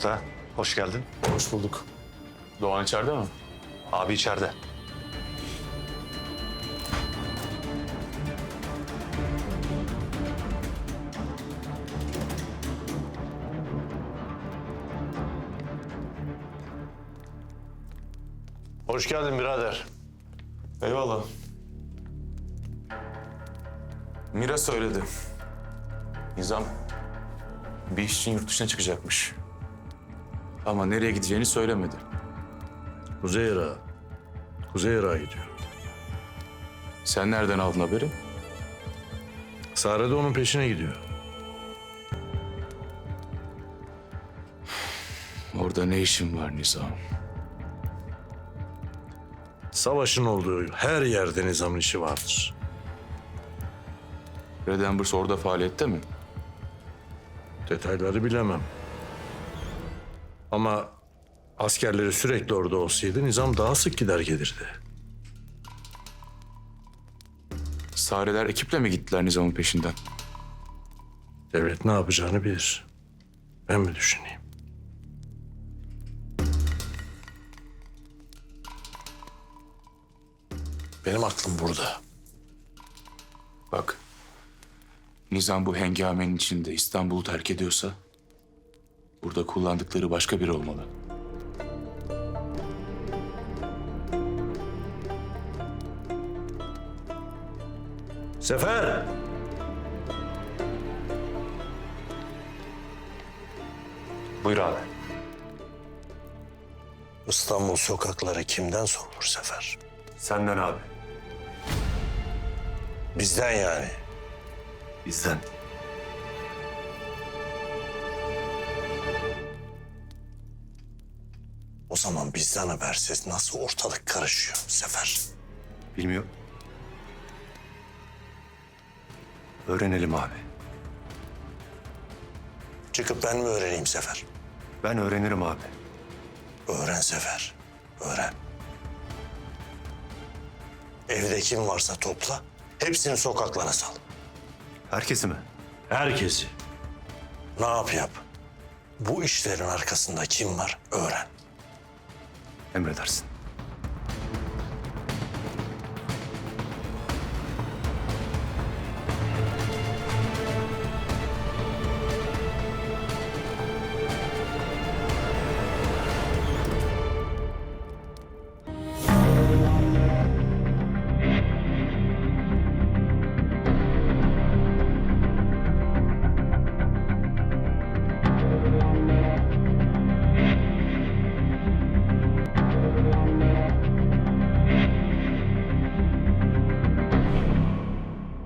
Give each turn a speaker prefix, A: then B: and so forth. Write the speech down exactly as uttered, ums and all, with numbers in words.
A: Usta, hoş geldin.
B: Hoş bulduk. Doğan içeride mi?
A: Abi içeride. Hoş geldin birader.
B: Eyvallah. Mira söyledi. Nizam bir iş için yurt dışına çıkacakmış. Ama nereye gideceğini söylemedi.
C: Kuzey Irak'a. Kuzey Irak'a gidiyor.
B: Sen nereden aldın haberi?
C: Sare de onun peşine gidiyor.
B: Orada ne işin var Nizam?
C: Savaşın olduğu her yerde Nizam'ın işi vardır.
B: Red Embers orada faaliyette mi?
C: Detayları bilemem. Ama askerleri sürekli orada olsaydı Nizam daha sık gider gelirdi.
B: Sareler ekiple mi gittiler Nizam'ın peşinden?
C: Devlet ne yapacağını bilir. Ben mi düşüneyim? Benim aklım burada.
B: Bak, Nizam bu hengamenin içinde İstanbul'u terk ediyorsa... burada kullandıkları başka biri olmalı.
C: Sefer!
A: Buyur abi.
C: İstanbul sokakları kimden sorulur Sefer?
A: Senden abi.
C: Bizden yani.
A: Bizden.
C: O zaman bizden habersiz nasıl ortalık karışıyor Sefer?
A: Bilmiyorum. Öğrenelim abi.
C: Çıkıp ben mi öğreneyim Sefer?
A: Ben öğrenirim abi.
C: Öğren Sefer, öğren. Evde kim varsa topla, hepsini sokaklara sal.
A: Herkesi mi?
C: Herkesi. Ne yap yap. Bu işlerin arkasında kim var öğren.
A: Emredersin.